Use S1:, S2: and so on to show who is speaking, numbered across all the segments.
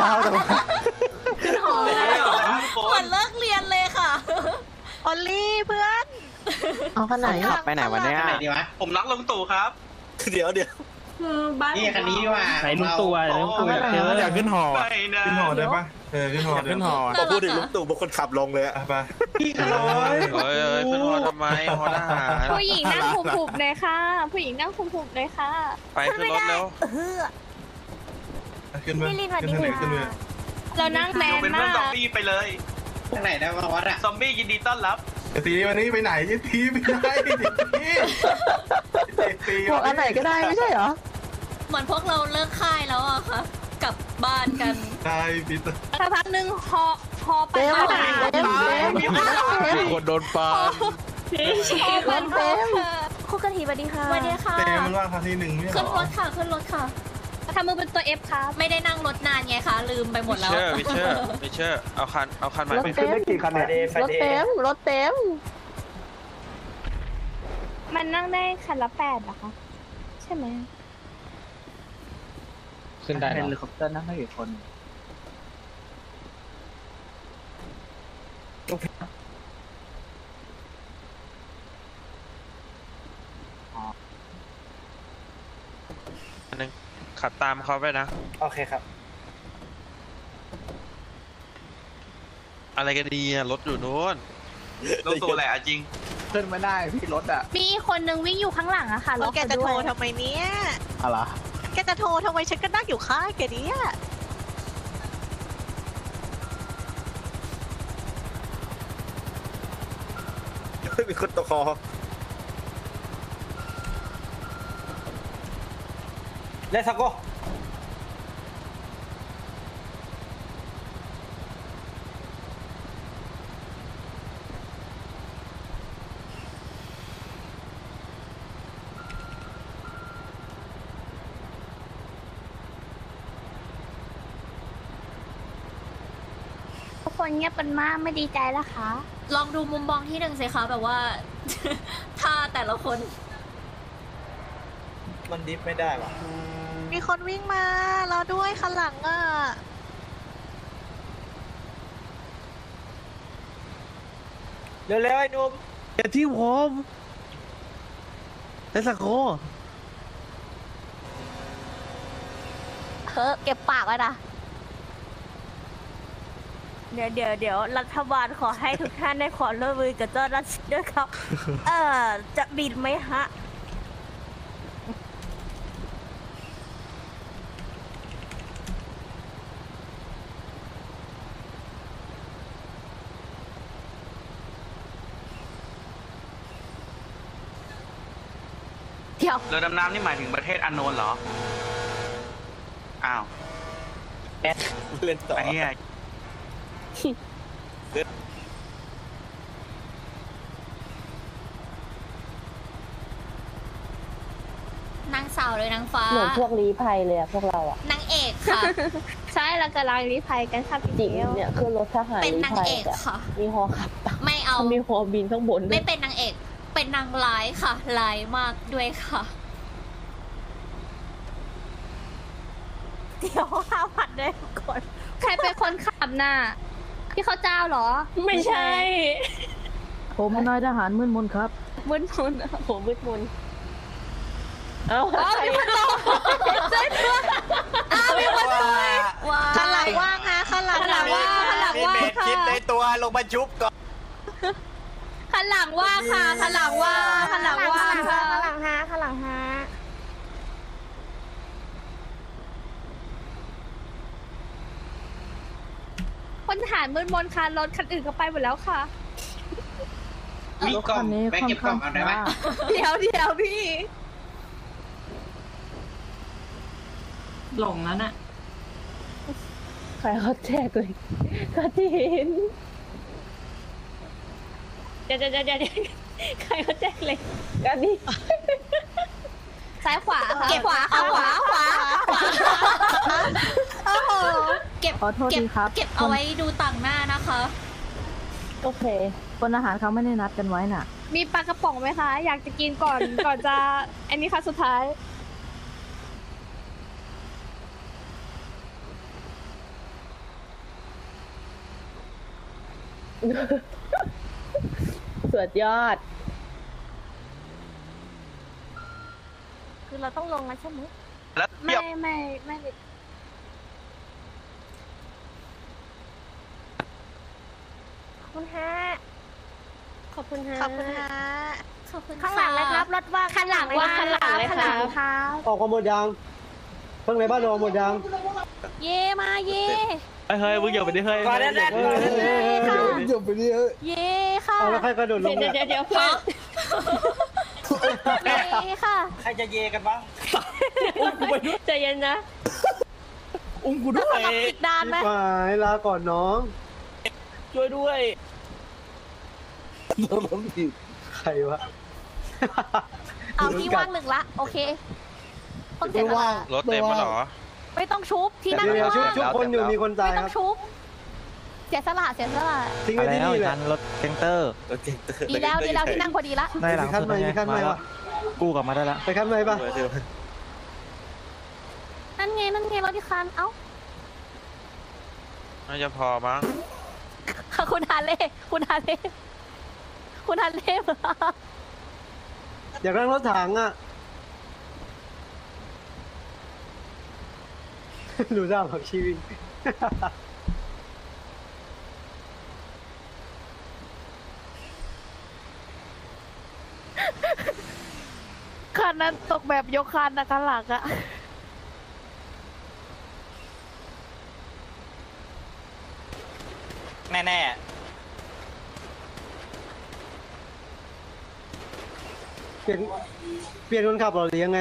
S1: เช้าแต่ว่า
S2: ขึ้นหอนะเหมือนเลิกเรียนเลยค่ะออลลี่เพื่อน
S1: เอาขนาดขับไปไหนวันนี้
S3: ไหนดีวะผมรักลุงตู่ครับเดี๋ยวนี่คันนี้ว่าไหนลุงตู่ลุงตู่
S1: อยากขึ้นหอ
S4: ขึ้นหอได้ปะขึ้นหอ
S1: ขึ้นหอ
S5: พอพูดถึงลุงตู่บางคนขับลงเลยอะไป
S3: พี่ขโมย
S5: เฮ้ยขึ้นหอทำไมหอทหาร
S6: ผู้หญิงนั่งหุบๆเลยค่ะผู้หญิงนั่งหุบๆเลยค่ะ
S5: ไปขึ้นรถเร็ว
S4: ขึ้นไปขึ้นไปขึ้นไป
S6: เรานั่งแมน
S3: เป็นเพื่
S6: มา
S3: อนซอก มบี้ไปเลยทางไหนได้บ้างวะซอมบี้ยินดีต้อนรับ
S4: ตีวันนี้ไปไหนตีไปไหนตี
S1: พวกอันไหนก็ได้ไม่ใช่เหรอ
S2: เหมือนพวกเราเลิกค่ายแล้วอะค่ะกลับบ้านกัน
S4: ได้ปีเตอร์
S6: สักพักหนึ่งฮอไป
S1: เต็ม
S6: บ้าน
S1: เต็ม
S5: มีคนโดนปา
S6: ฮอเป็นฮอค่ะ
S2: คู่กะทิสวัสดีค่ะสวัสดีค่ะ
S4: เต็มว่าครั้งที่หนึ่งไม่หร
S2: ขึ้นร
S4: อ
S2: ถค่ะขึ้นรถค่ะ
S6: ทำมือเป็นตัว F ครับ
S2: ไม่ได้นั่งรถนานไงคะลืมไปหมดแล้ว
S5: วิเชอร์เอาคันใหม่
S1: รถเต็มรถเต็มรถเต็ม
S6: มันนั่งได้คันละ8เหรอคะใช่ไหม
S1: ขึ้นได้เฮลิคอปเตอร์นั่งได้กี่คน
S5: นึงขับตามเขาไปนะ
S3: โอเคครับ
S5: อะไรกันดีอะรถอยู่นู้น
S3: ลุงตู่แหละจริง
S1: ขึ้นไม่ได้พี่รถอ่ะ
S6: มีคนนึงวิ่งอยู่ข้างหลังอะค่ะรถ
S2: แกจะโทรทำไมเนี่ย
S1: อะไร
S2: แกจะโทรทำไมฉันก็นั่งอยู่ข้างแกเนี่ย
S5: มีคนตะคอ
S3: Let's go
S6: ทุกคนเงียบกันมากไม่ดีใจแล้วคะ
S2: ลองดูมุมมองที่หนึ่งสิคะแบบว่า ถ้าแต่ละคน
S3: มันดิฟไม่ได้หรอ
S2: มีคนวิ่งมาเราด้วยคันหลังอ่ะ
S3: เร็วๆไอ้นุ่ม
S1: อย่าที่ผมเทสโก
S2: เก็บปากไว้นะเดี๋ยวรัฐบาลขอให้ทุกท่านได้ขอร่วมมือกับเจ้าหน้าที่ด้วยครับ จะบินไหมฮะ เดี๋ยว
S3: เรือดำน้ำนี่หมายถึงประเทศอันโนนเหรอ อ้าวเล่นต่อไอ้เหี้ย
S2: นางสาวเลยนางฟ้า
S7: เหมือนพวกลี้ภัยเลยอะพวกเราอะ
S2: นางเอกค่ะ
S6: ใช่เรากำลังรีภัยกันค่ะพี่
S7: จริง
S6: เดียว
S7: เนี่ยคือรถทหาร
S2: เป็น
S7: ลี้
S2: นาง
S7: ภัย
S2: เอก
S7: อะ
S2: ค่ะ
S7: มีฮอขับตาม
S2: ไม่เอา
S7: มีฮอบินข้างบนด้ว
S2: ไม่
S7: ย
S2: เป็นนางเอก เป็นนางร้ายค่ะร้ายมากด้วยค่ะ เดี๋ยวห้าพันด้วยก่อน
S6: ใครเป็นคนขับน่ะพี่เขาเจ้าเหรอ ไม่ใช่
S1: ผมนายทหารมึนมนครับ
S6: มึนมึน
S7: โหมืดมนเอ้า
S6: อ๋อมีคนต่อใช่ตัว
S2: มีคนสวยข้างหลังว่างฮะข้างหลัง
S6: ข้างหลังว่างข้างหลัง
S3: มี
S6: ว่าง
S3: เม็ด
S6: ค่ะ
S3: คิดในตัวลงมาชุบก่อน
S6: ข้างหลังว่างค่ะข้างหลังว่างข้างหลังว่างค่ะ
S7: ข้างหลังฮะข้างหลังฮะ
S6: คนทหารมืดมนค่ะรถคันอื่นก็ไปหมดแล้วค่ะ
S3: มีกล่องแม่เก็บกล่องเอาได้ไหม
S6: เดี๋ยวพี่
S2: หลงแล้วน่ะ
S7: ใครเขาแจกเลยก็ที่เห็น
S6: เดี๋ยวใครเขาแจ้งเลย
S7: ก็นี่
S6: ซ้ายขวาค่ะ
S2: เก็บ
S6: ขวาค่ะขวา
S2: โอ้โหเก็บ
S1: ขอโทษทีครับ
S2: เก็บเอาไว้ดูต่างหน้านะคะ
S7: โอเค
S1: คนอาหารเขาไม่ได้นัดกันไว้น่ะ
S6: มีปลากระป๋องไหมคะ อยากจะกินก่อน ก่อนจะอันนี้ค่ะสุดท้าย
S7: สุดยอด
S2: คือเราต้องลงแล้วใช่ไหม
S3: แล้วเทียบ
S6: ไม่
S2: ขอบคุณฮะ
S7: ขอบคุณฮะ
S6: ขอบคุณค่ะขอบคุณ
S2: ข้างหลังเลยครับรถว่าง
S6: ข้างหลังว่า
S7: ข้างหลังเลย
S6: ข้างหลัง
S7: ครับ
S6: ครับ
S1: ออกมาหมดยังเพิ่งในบ้านออกหมดยัง
S6: เย่มาเย่
S5: เฮ้ยมึงอย่าไปดิเฮ้ย
S3: มาแน่
S1: หยุดไปดิ
S6: เย่ค่ะ
S1: เอาแล้วใครกระโดดลง
S7: เดี๋ยวเพื่อน
S6: เย่ค่ะ
S3: ใครจะเยกันบ้าง
S7: ใจเย็นนะ
S5: อุ้มกูด้วย
S6: อีกนานไหม
S1: หมายลาก่อนน้อง
S5: ช่วยด้วย
S1: ใครวะ
S6: เอาที่ว่างหนึ่งละโอเคต้องเสียสละ
S5: รถเต็มมาหรอ
S6: ไม่ต้องชุบที่นั่ง
S1: เดี๋ยว
S6: ว่าง
S1: ชุบคนอยู่มีคนตาย
S6: ไม่
S1: ค
S6: ต้อ
S1: รับ
S6: งชุบเสียสละเสียสละ
S1: ทิ้งไว้ที่นี่แหละ
S8: รถเซนเตอร์
S6: ดีแล้วที่นั่งพอดีละ
S8: ได้หลัง
S1: ขั้น
S8: สุด
S1: ใหม่
S8: ไง
S1: มีขั้นให
S8: มา
S1: ม่
S8: แล้ว
S1: วะ
S8: กู้กลับมาได้ละ
S1: ไปขั้นใหม่ปะ
S6: นั่นไงรถที่คันเอ้า
S5: น่าจะพอมั้ง
S6: คุณฮาเล่คุณฮาเล่มา
S1: อยากนั่งรถถังอ่ะ ดูด้าผักชีวิต
S6: คันนั้นตกแบบยกคันนะคันหลังอะ
S3: แน่
S1: เปลี่ยนคนขับเหรอหรือยังไง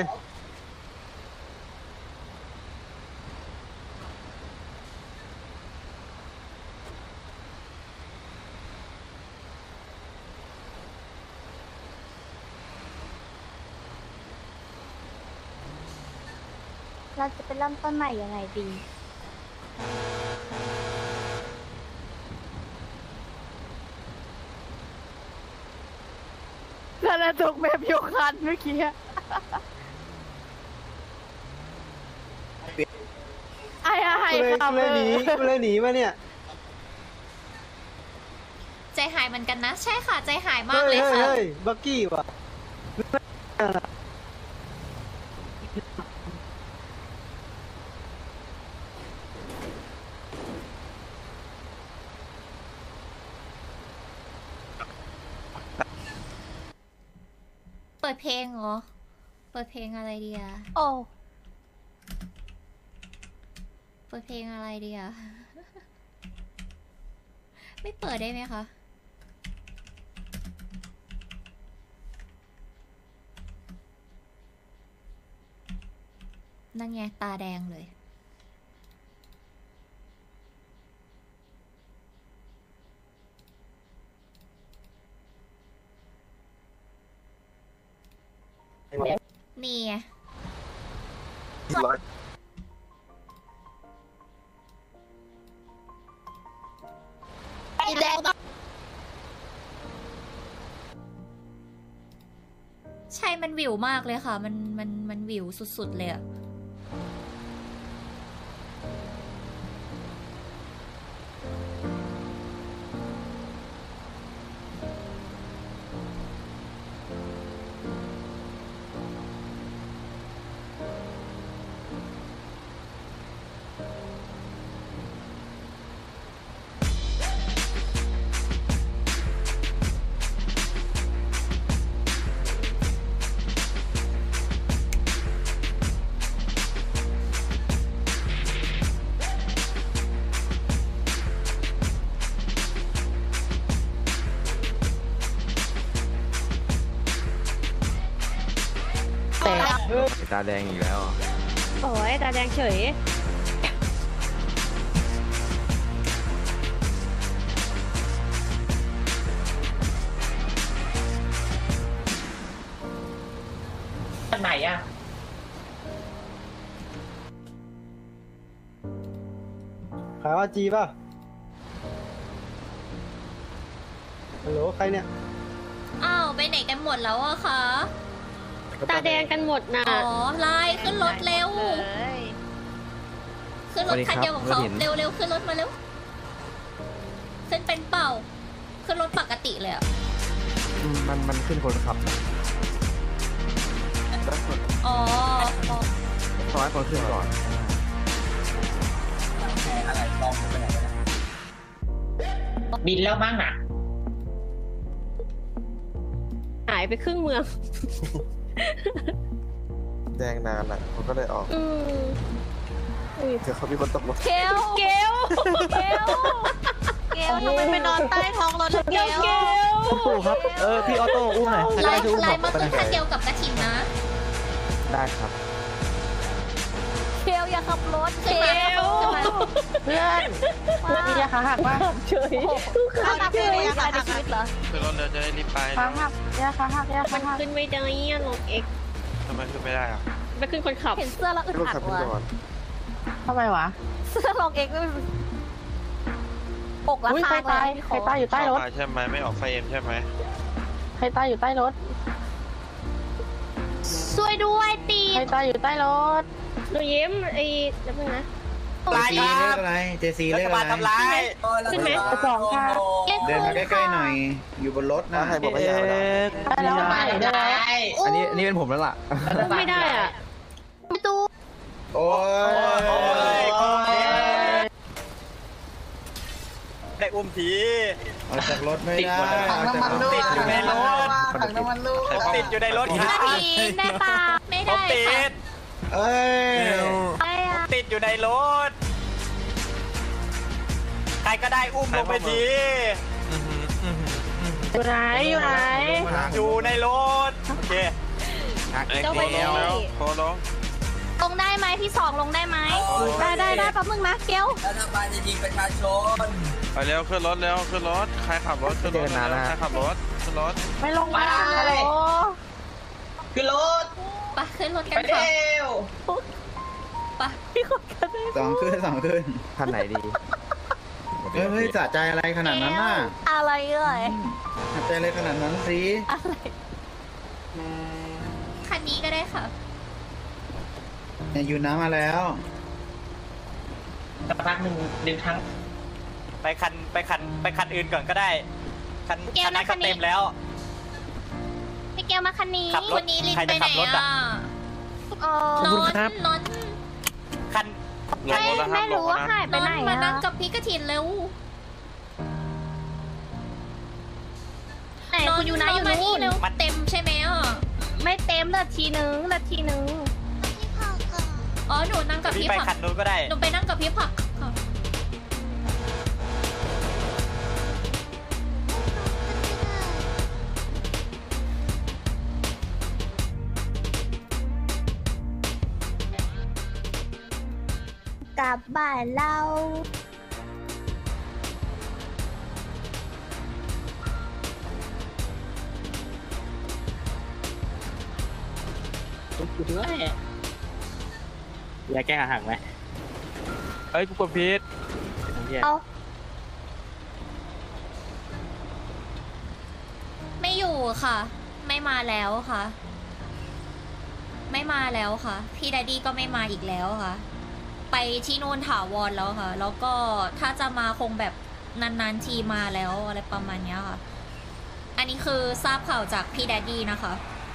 S6: เราจะไปเริ่มต้นใหม่ยังไงดี
S2: คันนั้นตกแบบยกคันเมื่อกี้ไอ้
S1: กูเลยหนีมาเนี่ย
S6: ใจหายเหมือนกันนะ ใช่ค่ะ ใจหายมา
S1: เฮ้
S6: ก
S1: ย
S6: เลย
S1: เฮ้ย
S6: ค่ะ
S1: เฮ้ยบักกี้ว่ะ
S6: เปิดเพลงเหรอ เปิดเพลงอะไรดีอะ
S2: โอ้
S6: เปิดเพลงอะไรดีอะ ไม่เปิดได้ไหมคะ นั่นไงตาแดงเลย นี่ไงใช่มันวิวมากเลยค่ะ มันวิวสุดๆเลยอะ
S8: ตาแดงอีกแล้ว
S7: โอ้ยตาแดงเฉย
S3: ๆไหนอ่ะ
S1: ขายว่าจีป่ะ ฮัลโหลใครเนี่ย
S6: อ้าวไปไหนกันหมดแล้วอะคะ
S7: ตาแดงกันหมดนะ
S6: อ๋อไล่ขึ้นรถเร็ว ขึ้นรถคันเดียวกับเขาเร็วๆขึ้นรถมาเร็ว ขึ้นเป็นเป่าขึ้นรถปกติเลยอ่ะ
S8: มันขึ้นคนขับ
S6: อ๋อ
S8: ขอให้คนขึ้นก่อน
S9: บินแล้วมั้งน่ะ
S7: หายไปครึ่งเมือง
S8: แดงนานอ่ะเขาก็เลยออก เดี๋ยวเขามีคนตกรถ
S2: เกลเกลเกลเกลทำไมไปนอนใต้ท้องรถเกล
S8: คุณปู่ครับ พี่ออโต้อุ้มหน่อยใคร
S6: ไล่
S8: ก็ได้ช่วยอุ้ม
S6: ไล่
S8: ผม
S6: มา
S8: ไปห
S6: ขึ้
S8: น่
S6: น
S8: อย
S6: คันเดียวกับกระถินนะ
S8: ได้ครับ
S2: เกลอย่าขับรถเกล
S7: เพื่อนมียาขาหักป่ะเฉย
S2: ขาหักเลยขาหักชีวิตเหรอ
S5: ขึ้นรถเร็วจะได้รีบไป
S7: ขาหักยาขาหักยาขาหัก
S6: ขึ้นไม่ได้รถเอ็ก
S5: ทำไมขึ้นไม่ได้อ่ะ
S6: ไปขึ้นคนขับ
S2: เห็นเสื้อแล้วอึด
S8: รถ
S2: อั
S8: ขับ
S2: ด
S8: ขึ้น
S2: ว่ะ
S8: ก่อน
S7: ทำไมวะ
S2: เสื้อลองเองไม่อกละ
S7: อุ้ย
S2: ข้า
S7: ใครง ตาย
S2: เลย
S7: ใครตายอยู่ใต้รถ
S5: เข้ามาใช่ไหมไม่ออกไฟเอ็มใช่ไหม
S7: ใครตายอยู่ใต้รถ
S6: ช่วยด้วยตี
S7: ใครตายอยู่ใต้รถ
S6: หนูยิ้มไอ้แล้วมึงนะ
S3: ลายครับเจซีเรียกอะไรทำร้าย
S6: ขึ้นไหม
S7: สองค่ะ
S3: เดินมาใกล้ๆหน่อย อยู่บนรถนะ
S8: ใครบอกว่ายาวนะ
S7: ได้แล้วไหนได้แล้ว
S8: อันนี้เป็นผมแล้วล่ะ
S6: ไม่ได้อ่ะ
S2: ประตู
S3: โอ้ยได้อุ้มผีออกจากรถไม่ได้ติดอยู่ในรถติดอยู่ในรถ
S6: กระถินได้ปะไม่ได้ค่ะ
S3: เอ้ย
S6: ได้อะ
S3: ติดอยู่ในรถ ใครก็ได้อุ้มลงไปที
S7: อยู่ไหนอยู่ไหน
S3: อยู่ในรถ โอเค
S5: ไอ้โคลงแล้วโคลง
S6: ลงได้ไหมพี่สองลงได้ไหม
S2: ได้แป๊บนึงนะเกล
S5: ไปเร็วขึ้นรถเร็วขึ้นรถใครขับรถขึ้นรถใครขับรถขึ้นรถ
S7: ไม่ลงมาฮัลโหล
S9: ขึ้นรถ
S6: ไปขึ้นรถกัน
S9: ไป
S6: ค่ะ
S9: เร็ว
S6: ไป
S3: สองขึ้น
S8: คันไหนดี
S3: เฮ้ยสะใจอะไรขนาดนั้นน่ะ
S2: อะไรเอ่ย
S3: สะใจอะไรขนาดนั้นสิ
S2: อะไร
S6: คันนี้ก็ได้ค่ะ
S3: เนี่ยอยู่น้ำมาแล้ว
S9: สักพักหนึ่งดึงทั้ง
S3: ไปคันอื่นก่อนก็ได้ คัน
S6: เกล
S3: คันนั้น
S6: นะคั
S3: ก็
S6: นนี้
S3: เต็มแล้ว
S6: พี่แก้วมาคันนี้
S3: ขับรถ
S6: วันนี้ลิน
S3: ใคร
S6: ไป
S3: จะ
S6: ไหน
S3: ขับรถ
S6: อ่ะ
S3: อะ
S6: นน
S3: คัน
S5: ลงรถแล้วครับลงนะ
S2: ไปไหน
S6: มานั่ง
S2: อะ
S6: กับพี่กระถินเร็ว
S2: ไหน
S6: น
S2: คุณอยู่ไหนอยู่
S6: มานี่
S2: นู่น
S6: เร็วเต็มใช่ไหมอ่ะ
S2: ไม่เต็มนาทีนึง
S6: อ๋อหนูนั่งกับ
S3: พี่
S6: พี่
S3: ไป
S6: ผั
S3: คั
S6: ก
S3: นนู้นก็ได้
S6: หนูไปนั่งกับพี่ผักค่ะ
S2: กลับบ้านเรา
S8: อยากแก้หักไหมเอ้ยกูกดพีท
S2: เอา
S6: ไม่อยู่ค่ะ ไม่มาแล้วค่ะ ไม่มาแล้วค่ะ พี่แดดดี้ก็ไม่มาอีกแล้วค่ะ ไปที่นู่นถาวรแล้วค่ะ แล้วก็ถ้าจะมาคงแบบนานๆทีมาแล้วอะไรประมาณเนี้ยค่ะ อันนี้คือทราบข่าวจากพี่แดดดี้นะคะ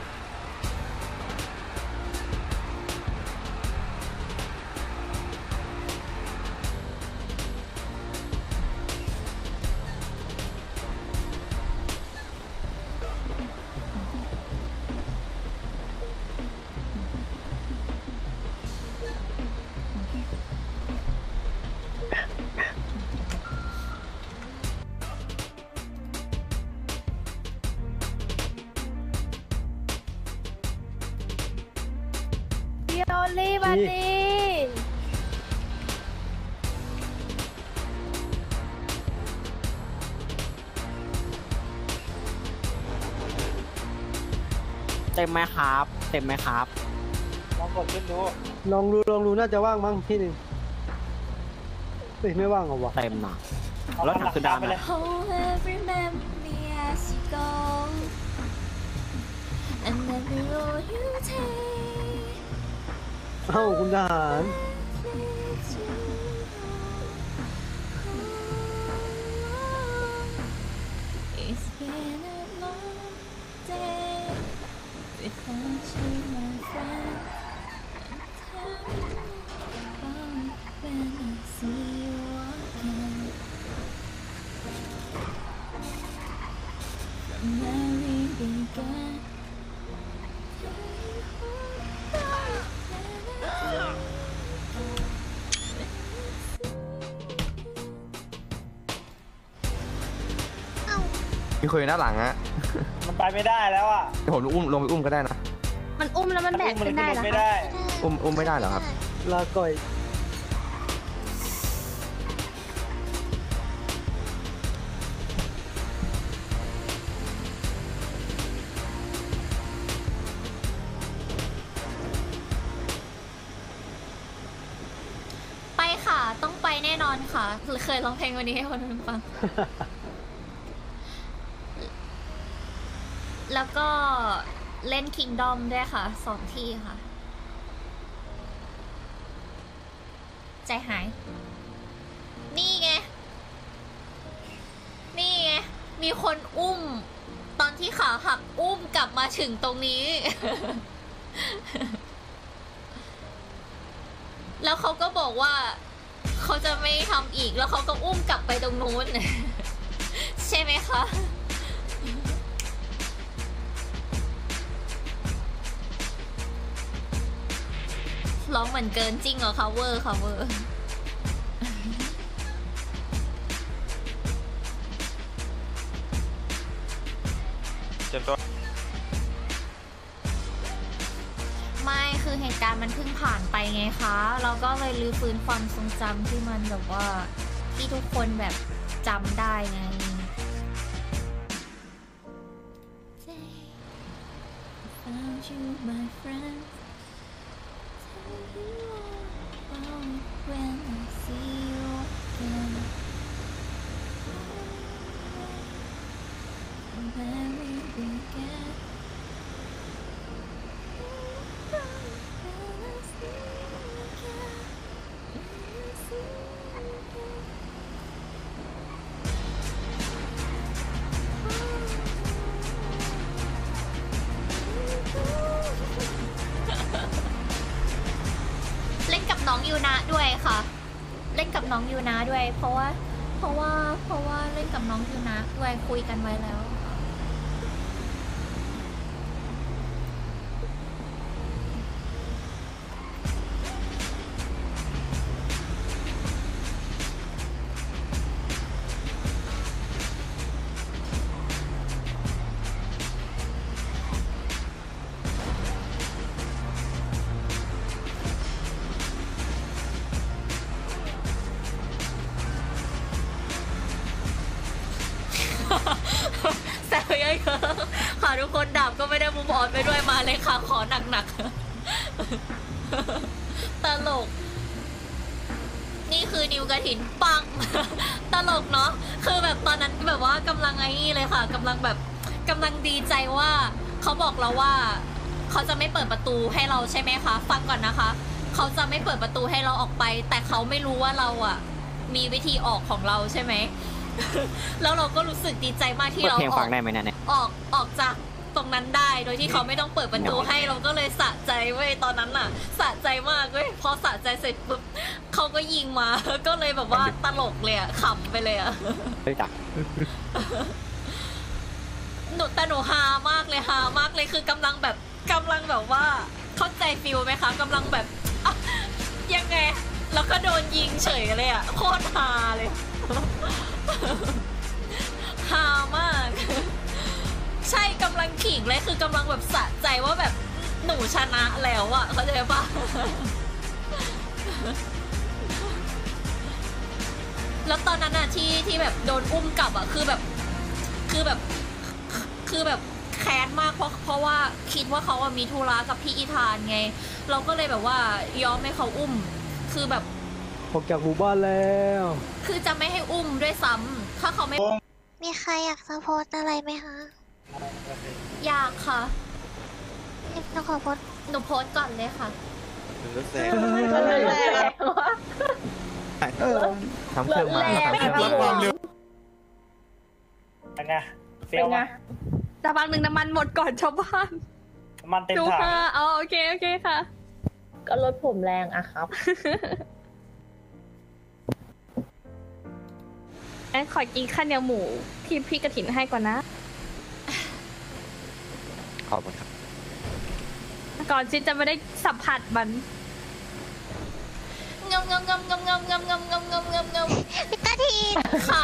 S2: พี่โอลี่มาดี
S8: เต็มไหมครับ เต็มไหมครับ
S1: ลองดูน่าจะว่างมั้งที่หนึ่งไม่ว่างเหรอวะ
S8: เต็มหนะแล้วถังคือดำนะ
S6: Oh, remember me as you go, and every road you take.
S1: เอ้าคุณทหาร
S6: เ been a long day without you, my friend. Tell me about when I see you again. From where we began.
S8: มีคนอยู่ด้านหลังฮะ
S3: มันไปไม่ได้แล้วอ่ะ
S8: ผมลงไปอุ้มก็ได้นะ
S2: มันอุ้มแล้วมันแบกขึ้นได้เหรอ
S3: ไม่
S2: คะ
S3: ได้
S8: อุ้มไม่ได้เหรอครับ
S1: ลาก่อย
S6: ไปค่ะ ต้องไปแน่นอนค่ะ เคยร้องเพลงวันนี้ให้คนอื่นฟัง แล้วก็เล่น Kingdom ด้วยค่ะ2 ที่ค่ะ ใจหาย นี่ไง นี่ไง มีคนอุ้ม ตอนที่ขาหักอุ้มกลับมาถึงตรงนี้ แล้วเขาก็บอกว่าเขาจะไม่ทำอีก แล้วเขาก็อุ้มกลับไปตรงนู้น ใช่ไหมคะร้องเหมือนเกินจริงเหรอคะเวอร์ค่ะเวอร์
S5: เจ็บตัว
S6: ไม่คือเหตุการณ์มันเพิ่งผ่านไปไงคะเราก็เลยรื้อฟื้นความทรงจำที่มันแบบว่าที่ทุกคนแบบจำได้ไง Found you, my friend. Tell you all about when I see you again. Where we began. When I see you again. When I see you again. เล่นกับน้องยูนะด้วยค่ะ เล่นกับน้องยูนะด้วย เพราะว่าเล่นกับน้องยูนะด้วยคุยกันไว้แล้ว แซวเยอะๆค่ะทุกคนดาบก็ไม่ได้มุมอ่อนไปด้วยมาเลยค่ะขอหนักๆตลกนี่คือนิวกระถินปัง ตลกเนาะคือแบบตอนนั้นแบบว่ากำลังไอ้นี่เลยค่ะกำลังดีใจว่าเขาบอกเราว่าเขาจะไม่เปิดประตูให้เราใช่ไหมคะฟังก่อนนะคะเขาจะไม่เปิดประตูให้เราออกไปแต่เขาไม่รู้ว่าเราอ่ะมีวิธีออกของเราใช่ไหม แล้วเราก็รู้สึกดีใจมากที่เราออกจากตรงนั้นได้โดยที่เขาไม่ต้องเปิดประตูให้เราก็เลยสะใจเว้ยตอนนั้นน่ะสะใจมากเว้ยพอสะใจเสร็จปุ๊บเขาก็ยิงมา ก็เลยแบบว่าตลกเลยอะขำไปเลยอะแต่หนูฮามากเลยคือกำลังแบบว่าเข้าใจฟิลไหมคะกำลังแบบยังไงแล้วก็โดนยิงเฉยเลยอะโคตรฮาเลยฮามากใช่กำลังขิงเลยคือกำลังแบบสะใจว่าแบบหนูชนะแล้วอะเข้าใจปะแล้วตอนนั้นอะที่แบบโดนอุ้มกลับอะคือแบบแค้นมากเพราะว่าคิดว่าเขาอะมีธุระกับพี่อีธานไงเราก็เลยแบบว่ายอมให้เขาอุ้มคือแบบ
S1: ออกจากหมู่บ้านแล้ว
S6: คือจะไม่ให้อุ้มด้วยซ้ำถ้าเขาไม่
S2: มีใครอยากสปอร์ตอะไรไหมคะ
S6: อยากค่ะ
S2: หนูขอโพส
S6: หนูโพสต์ก่อนเลยค่ะ
S8: ทำเครื่องมาทำเครื่องมา
S3: ไง
S7: เป็นไง
S2: แต่บางหนึ่งน้ำมันหมดก่อนชาวบ้าน
S3: มันเต็ม
S2: ดู
S3: ถัง
S2: ค่ะเอาโอเคค่ะ
S7: ก็รถผมแรงอะครับ
S2: งั้นขอกินข้าวเหนียวหมูที่พี่กระถินให้ก่อนนะ
S8: ขอบคุณครับ
S2: ก่อนที่จะไม่ได้สัมผัสมัน
S6: งมพี่กะทินขา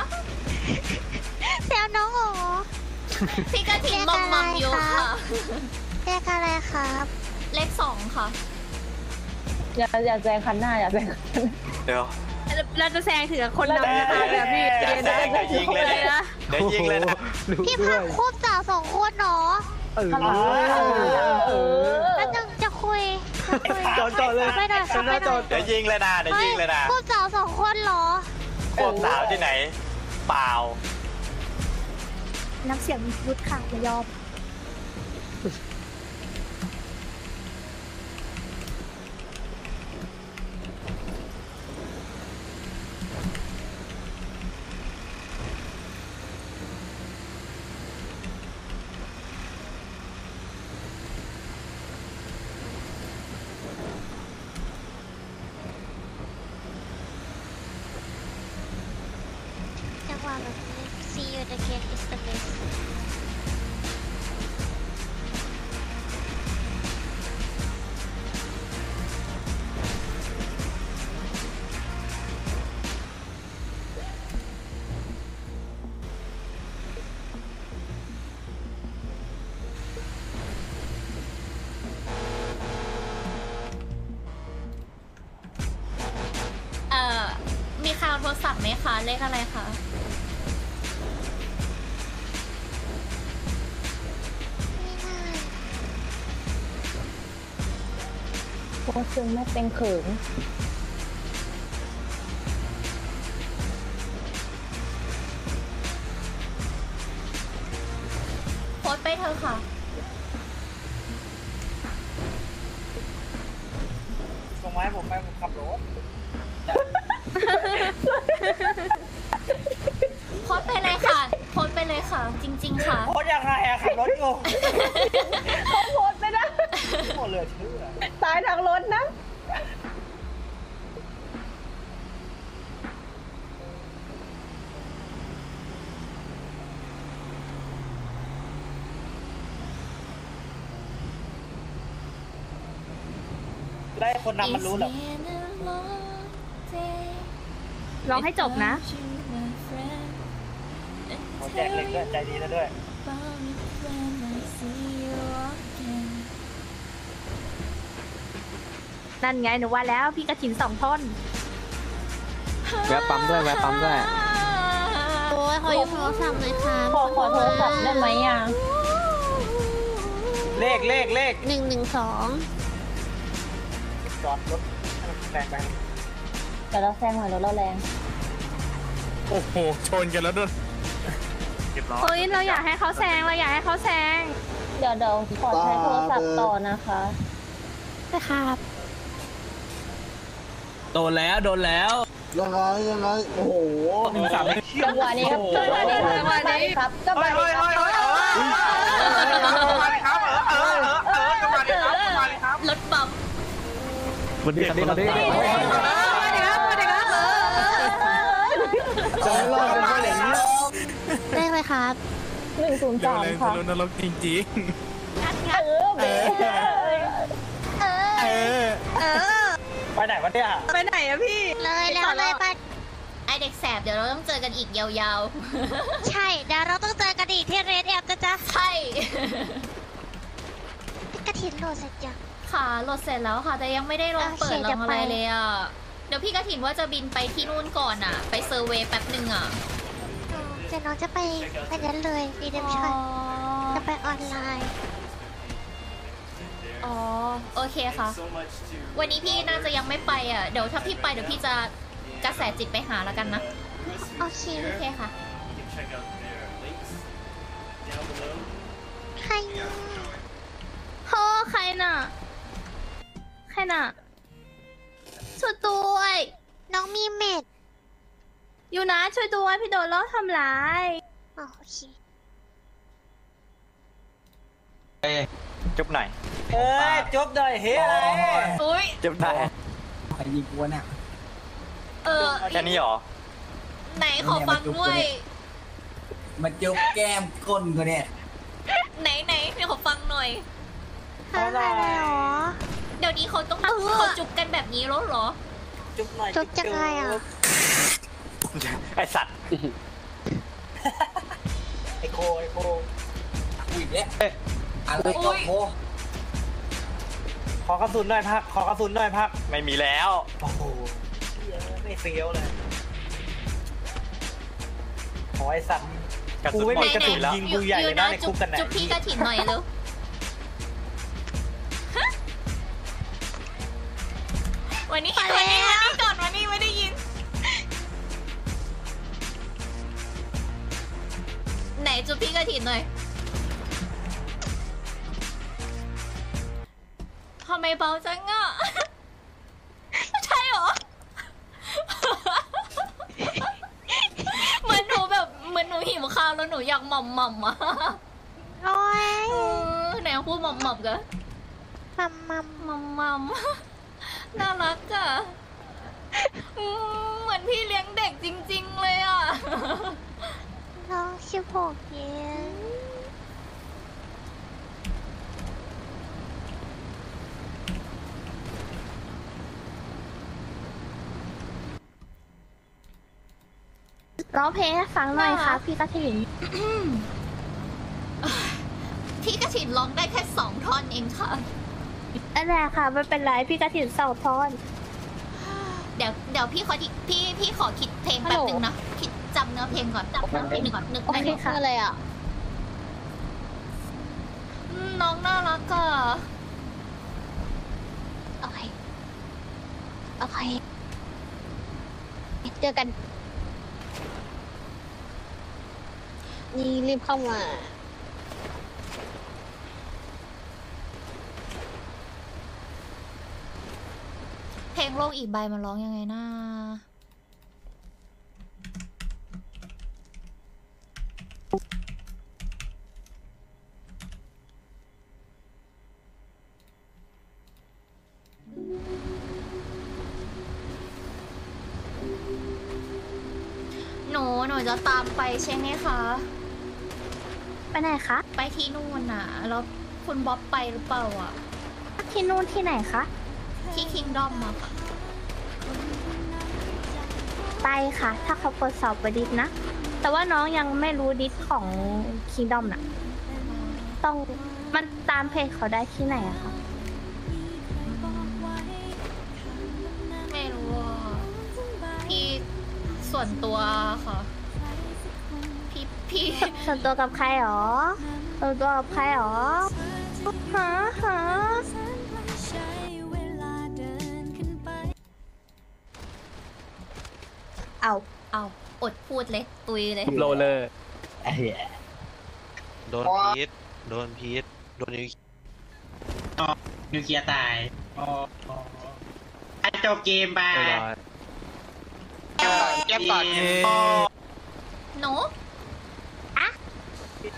S6: แซวน้องเหรอพี่กะทินมอมอยู่ค่ะเลขอะไรครับเลข2ค่ะ
S7: อย่าแซงคันหน้าอย่าแซงคันหน้า
S3: เดี๋ยว
S2: เราจะแซงถึงคนนำแบบพี่
S3: อย่าแซงเดี๋ยวยิงเลยนะเดี๋ยวยิงเลยนะ
S6: พี่พักควบสาว2 คนเนาะแล้วจะคุย
S3: จอดเลย
S6: ไม่ได้ไม่ได้
S3: เดี๋ยวยิงเลยนะเดี๋ยวยิงเลยนะ
S6: ควบสาว2 คนเหรอ
S3: ควบสาวที่ไหน เปล่า
S2: น้ำเสียงวุฒิค่ะอย่ายอม
S6: จังหวะแบบนี้ see you again is the best มีใครเอาโทรศัพท์ไหมคะ เลขอะไรคะ
S7: โคตรซึ้งไม่เป็นเขิน
S6: โพสต์ไปเธอะค่ะ
S3: ส่งไม้ผมไปผมขับรถ
S6: โพสต์ไปเลยค่ะ โพสต์ไปเลยค่ะ จริง ๆ ค่ะ
S3: โคตรยังไงอะขับรถอยู่
S7: เขาโพสต์ไม่ได้
S3: โคตรเหลือเชื่อ
S7: ตายทางรถนะ
S3: ได้คนนำมันรู้เหรอ
S2: ร้องให้จบนะ
S3: ผมแจกเหล็กด้วยใจดีแล้วด้วย
S2: นั่นไงหนูว่าแล้วพี่กระถิน2 ท่อน
S8: แวะปั๊มด้วยแวะปั๊มด้วย
S6: โอ้ยขอยืมโทรศัพท์หน่อยค่ะ
S7: ขอโทรศัพท์ได้ไหมอ่ะ
S3: เลข
S6: 112
S3: จอดรถให้มันแรงไป
S7: แต่เราแซงหน่อยรถเราแรง
S4: โอ้โหชนกันแล้วด้วย
S2: เฮ้ยเราอยากให้เขาแซงเราอยากให้เขาแซง
S7: เดี๋ยวขอใช้โทรศัพท์ต่อนะคะ
S6: นะครับ
S3: โดนแล้ว
S4: ยังไงโอ้โห
S7: จังหวะนี้ครับจังหวะนี้ครับจังหวะนี้ครับ
S6: รถบัม
S8: วันนี้ครับวันนี้
S4: จะไม่รอดเป็นอะไรอย่างนี้
S6: ได้ไหมครับ
S7: 103 ค่ะ
S4: นรกจริง
S3: ไปไหนวะเนี่ย
S2: ไปไหนอะพี่
S6: เลยแล้วเลยไปไอเด็กแสบเดี๋ยวเราต้องเจอกันอีกยาวๆ ใช่ เดี๋ยวเราต้องเจอกันอีกที่เรดแอปนะจ๊ะ ใช่กระถินโหลดเสร็จยังค่ะโหลดเสร็จแล้วค่ะ แต่ยังไม่ได้ลงเปิดลงอะไรเลยอ่ะ เดี๋ยวพี่กระถินว่าจะบินไปที่นู่นก่อนอ่ะ ไปเซอร์เวย์แป๊บนึงอ่ะเดี๋ยวน้องจะไปนั้นเลยรีเดมชั่นจะไปออนไลน์ อ๋อ โอเคค่ะ วันนี้พี่น่าจะยังไม่ไปอ่ะ เดี๋ยวถ้าพี่ไปเดี๋ยวพี่จะกระแสจิตไปหาแล้วกันนะ โอเค โอเคค่ะ ใครโหใครน่ะ ใครน่ะช่วยด้วยน้องมีเม็ด อยู่นะช่วยด้วยพี่โดนล้อทำร้ายโอเค
S3: จุ๊บหน่อยเอ้ยจุ๊บหน่อยเฮ้ยอะไร
S6: อุ้ย
S3: จุ๊บหน่อย
S4: ใครยิงกูวะเนี่ย
S3: แค่นี้หรอ
S6: ไหนขอฟังด้วย
S4: มาจุ๊บแก้มก้นกูเนี่ย
S6: ไหนพี่ขอฟังหน่อย
S2: อะไรหรอ
S6: เดี๋ยวนี้เขาต้องเขาจุบกันแบบนี้แล้วเหรอ
S3: จุ๊บหน่อย
S2: จุ๊บจังไงอ่ะ
S3: ไอสัตว์
S4: ไอโคอีกแล้วอะไรก็โค
S3: ขอกระสุนหน่อยพักขอกระสุนหน่อยพักไม่มีแล้วโอ้โหไม่เฟี้ยวเลยขอไอสัตว์กูไม่มีกระสุนแล้วยิงกูใหญ่เลยนะในคุกกันไหน
S6: จุบพี่กระถิ่นหน่อยเร็ววันนี้ก่อนวันนี้ไม่ได้ยินไหนจุบพี่กระถิ่นหน่อยทำไมเบาจังอ่ะใช่เหรอเหมือนหนูหิวข้าวแล้วหนูอยากหม่ำอ่ะ
S2: โอ้ย
S6: ไหนพูดหม่ำกัน
S2: มัม
S6: น่ารักอ่ะเหมือนพี่เลี้ยงเด็กจริงๆเลยอ่ะ
S2: น้อง16เย็นร้องเพลงให้ฟังหน่อยค่ะพี่กระถิ่น
S6: พี่กระถินร้องได้แค่2 ท่อนเองค่ะ
S2: นั่นแหละค่ะไม่เป็นไรพี่กระถิ่นเสาทอน
S6: เดี๋ยวพี่ขอพี่ขอคิดเพลงแป๊บนึงนะคิดจำเนื้อเพลงก่อนนึก
S2: โอ
S6: ได้
S2: เคค่ะอะไรอ่ะ
S6: น้องน่ารักอ่ะ
S2: โอเคเจอกันนี่รีบเข้ามา
S6: เพลงโลกอีกใบมันร้องยังไงนะหนูจะตามไปใช่ไหมคะ
S2: ไปไหนคะ
S6: ไปที่นู่นน่ะแล้วคุณบ๊อบไปหรือเปล่าอ่ะ
S2: ที่นู่นที่ไหนคะ
S6: ที่คิงดอมอะค่ะ
S2: ไปค่ะ ถ้าเขาเปิดสอบไปดิสนะ แต่ว่าน้องยังไม่รู้ดิสของคิงดอมน่ะ ต้องมันตามเพจเขาได้ที่ไหนอะคะ
S6: ไม่รู้อ่ะพี่ส่วนตัวค่ะ พี่
S2: ส่วนตัวกับใครหรอส่วนตัวกับใครหรอหาเอา
S6: อดพูดเลยตุยเลย
S3: โรเลอร์
S5: โดนพีทโดนนิว
S9: นิวเคลียร์ตายจบเกมไปเกมก่อน
S6: หนูอะ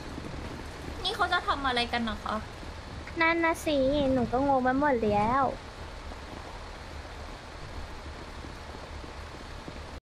S6: นี่เขาจะทำอะไรกันนะคะ
S2: นั่นนะสิ หนูก็งงไปหมดแล้ว